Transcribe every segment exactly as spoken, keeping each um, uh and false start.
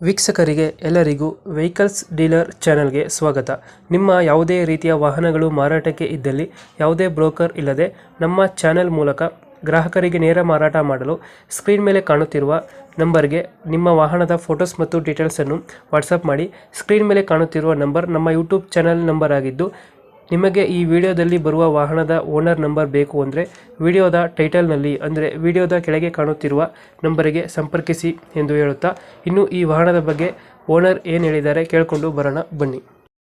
ವೀಕ್ಷಕರಿಗೆ ಎಲ್ಲರಿಗೂ vehicles dealer ಚಾನೆಲ್ಗೆ ಸ್ವಾಗತ. ನಿಮ್ಮ ಯಾವುದೇ ರೀತಿಯ ವಾಹನಗಳು ಮಾರಾಟಕ್ಕೆ ಇದ್ದಲ್ಲಿ ಯಾವುದೇ ಬ್ರೋಕರ್ ಇಲ್ಲದೆ ನಮ್ಮ ಚಾನೆಲ್ ಮೂಲಕ ಗ್ರಾಹಕರಿಗೆ ನೇರ ಮಾರಾಟ ಮಾಡಲು ಸ್ಕ್ರೀನ್ ಮೇಲೆ ಕಾಣುತ್ತಿರುವ ನಂಬರ್ಗೆ ನಿಮ್ಮ ವಾಹನದ ಫೋಟೋಸ್ ಮತ್ತು ಡೀಟೇಲ್ಸನ್ನು ವಾಟ್ಸಪ್ ಮಾಡಿ. ಸ್ಕ್ರೀನ್ ಮೇಲೆ ಕಾಣುತ್ತಿರುವ ನಂಬರ್ ನಮ್ಮ ಯೂಟ್ಯೂಬ್ ಚಾನೆಲ್ ನಂಬರ್ ಆಗಿದ್ದು, ನಿಮಗೆ ಈ ವಿಡಿಯೋದಲ್ಲಿ ಬರುವ ವಾಹನದ ಓನರ್ ನಂಬರ್ ಬೇಕು ಅಂದರೆ ವಿಡಿಯೋದ ಟೈಟಲ್ನಲ್ಲಿ ಅಂದರೆ ವಿಡಿಯೋದ ಕೆಳಗೆ ಕಾಣುತ್ತಿರುವ ನಂಬರಿಗೆ ಸಂಪರ್ಕಿಸಿ ಎಂದು ಹೇಳುತ್ತಾ, ಇನ್ನು ಈ ವಾಹನದ ಬಗ್ಗೆ ಓನರ್ ಏನು ಹೇಳಿದ್ದಾರೆ ಕೇಳಿಕೊಂಡು ಬರೋಣ ಬನ್ನಿ.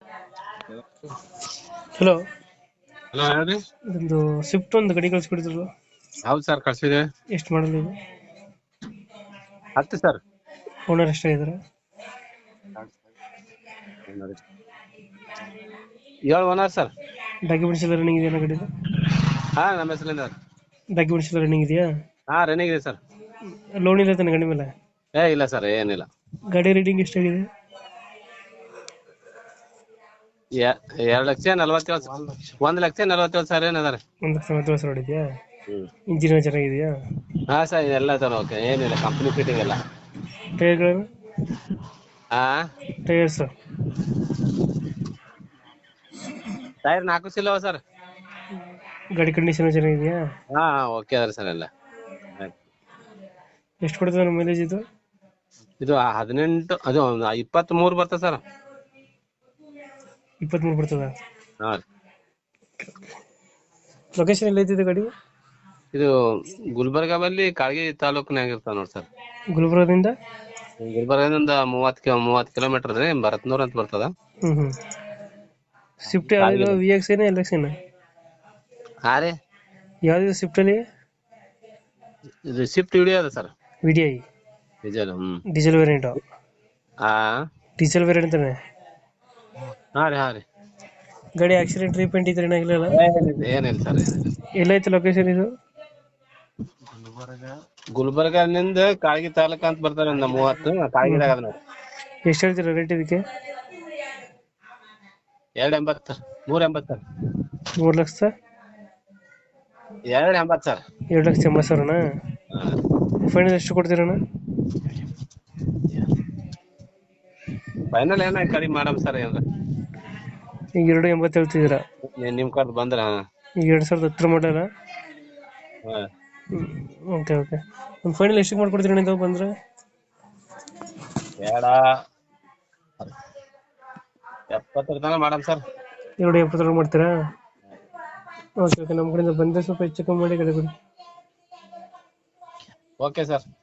ಹಲೋ ಹಲೋ ಹೇಳ್ರಿ. ಒಂದು ಸ್ವಿಫ್ಟ್ ಒಂದು ಗಾಡಿ ಕಳಿಸ್ಕೊಡಿದ್ರು. ಹೌದು ಸರ್, ಕಳ್ಸಿದೆ. ಎಷ್ಟು ಮಾಡಲ್ ಇದು? ಹತ್ತು ಸರ್. ಓನರ್ ಎಷ್ಟಾಗಿದ್ದಾರೆ? ಏಳು ಓನರ್ ಸರ್. ಡಾಕ್ಯುಮೆಂಟ್ಸ್ ಎಲ್ಲ ರನ್ನಿಂಗ್ ಇದೆಯಾ ಗಾಡಿದು? ಹಾ, ನಮ್ಮ ಹೆಸರಿಂದ ಡಾಕ್ಯುಮೆಂಟ್ಸ್ ಎಲ್ಲ ರನ್ನಿಂಗ್ ಇದೆಯಾ? ಹಾ, ರನ್ನಿಂಗ್ ಇದೆ ಸರ್. ಲೋನ್ ಇಲ್ಲ ತಾನೆ ಗಾಡಿ ಮೇಲೆ? ಏ ಇಲ್ಲ ಸರ್, ಏನಿಲ್ಲ. ಗಾಡಿ ರೇಟಿಂಗ್ ಎಷ್ಟಾಗಿದೆ? ಎ- ಎರಡ್ ಲಕ್ಷ ನಲ್ವತ್ತೇಳು ಒಂದ್ ಲಕ್ಷ ನಲ್ವತ್ತೇಳು ಸಾವಿರ ಏನದಾರೆ. ಒಂದು ಲಕ್ಷ ಮೂವತ್ತು ಸಾವಿರ ಹೊಡಿದ್ಯಾ? ಹ್ಮ್ ಇಂಜಿನ್ ಚೆನ್ನಾಗಿದೆಯಾ? ಹಾ ಸರ್, ಎಲ್ಲ ಸರ್ ಓಕೆ, ಏನಿಲ್ಲ. ಕಂಪ್ನಿ ಫಿಟ್ಟಿಂಗ್ ಎಲ್ಲ. ಟೈರ್ಗಳು? ಹಾ, ಟೈರ್ಸ್ ಟೈರ್ ನಾಲ್ಕು ಸಿಲ್ಲವ ಸರ್. ಗಾಡಿ ಕಂಡೀಷನ್ ಚೆನ್ನಾಗಿದೆಯಾ? ಹಾ ಓಕೆ ಅದ್ರ ಸರ್ ಎಲ್ಲ. ಎಷ್ಟು ಕೊಡ್ತದೆ ನಮ್ಮ ಮೈಲೇಜ್ ಇದು? ಇದು ಹದಿನೆಂಟು ಅದು ಇಪ್ಪತ್ತ್ ಮೂರು ಬರ್ತದೆ ಸರ್. ಇಪ್ಪತ್ಮೂರು ಬರ್ತದ? ಹಾ, ಲೊಕೇಶನ್ ಎಲ್ಲ ಐತಿದೆ ಗಾಡಿ? ಇದು ಗುಲ್ಬರ್ಗಾ ಬಲ್ಲಿ ಕಾಳಗಿ ತಾಲೂಕಿನಾಗ ಇರ್ತಾವ ನೋಡಿ ಸರ್. ಗುಲ್ಬರ್ಗದಿಂದ? ಗುಲ್ಬರ್ಗದಿಂದ ಮೂವತ್ ಕಿ ಮೂವತ್ ಕಿಲೋಮೀಟರ್ ರೀ, ಭರತ್ನೂರ್ ಅಂತ ಬರ್ತದ. ಹ್ಮ್ ಹ್ಮ್ ಸ್ವಿಫ್ಟ್ ಯಾವ್ದು? ವಿ ಎಕ್ಸ್ ಏನ ಎಲ್ ಎಕ್ಸ್ ಏನ? ಹಾ ರೀ, ಯಾವ್ದು ಸ್ವಿಫ್ಟ್ ಅಲ್ಲಿ? ಇದು ಶಿಫ್ಟ್ ವಿಡಿಯೋ ಅದ sir. V D I diesel. ಹ್ಮ್ ಡೀಸೆಲ್ ವೇರಿಯಂಟ್? ಹಾ ಡೀಸೆಲ್ ವೇರಿಯಂಟ್ ಅಂತಾನೆ. ಹಾ ರೀ ಹಾ ರೀ ಗಾಡಿ ಆಕ್ಸಿಡೆಂಟ್ ರೀಪೇಂಟ್ ಇದ್ರೆ ಏನಾಗಿಲ್ಲ? ಏನಿಲ್ಲ ಸರ್, ಏನಿಲ್ಲ. ಎಲ್ಲೈತೆ ಲೊಕೇಶನ್ ಇದು? ಗುಲ್ಬರ್ಗನಿಂದ ಕಾಳಗಿ ತಾಲೂಕ ಅಂತ ಬರ್ತಾರೆ. ಒಂದು ಮೂವತ್ತು ಕಾಳಗಿದಾಗ ಅದ ನೋಡಿ. ಎಷ್ಟು ಹೇಳ್ತೀರಾ ರೇಟ್ ಇದಕ್ಕೆ? ಎರಡ್ ಎಂಬತ್ತು ಸರ್. ಮೂರ್ ಎಂಬತ್ತು ಸರ್. ಮೂರು ಲಕ್ಷ ಎರಡ್ ಎಂಬತ್ತು ಸರ್. ಎರಡು ಲಕ್ಷ ಎಂಬತ್ತು ಸಾವಿರನಾ? ಫೈನಲ್ ಎಷ್ಟು ಕೊಡ್ತೀರಣ್ಣ? ಫೈನಲ್ ಏನ ಕಡಿಮೆ ಮಾಡಮ್ ಸರ್. ಏನ್ರ ಈಗ ಎರಡು ಎಂಬತ್ತು ಹೇಳ್ತಿದ್ದೀರಾ? ನಿಮ್ ಕಡೆ ಬಂದ್ರ. ಈಗ ಎರಡು ಸಾವಿರದ ಹತ್ತರ ಮಾಡಲ್ಲ? ಹಾ, ಓಕೆ ಓಕೆ ಒಂದು ಫೈನಲ್ ಎಷ್ಟಕ್ಕೆ ಮಾಡ್ಕೊಡ್ತೀರಣ್ಣ ಇದು ಬಂದರೆ? ಬೇಡ ಎಪ್ಪತ್ತರ ತನಕ ಮಾಡಮ್ ಸರ್. ಎರಡು ಎಪ್ಪತ್ತೊಳಗೆ ಮಾಡ್ತೀರಾ? ಓಕೆ ಓಕೆ ನಮ್ಮ ಕಡೆಯಿಂದ ಬಂದರೆ ಸ್ವಲ್ಪ ಹೆಚ್ಚು ಕಮ್ಮಿ ಮಾಡಿ ಗಾಡಿ ಕೊಡಿ. Okay sir.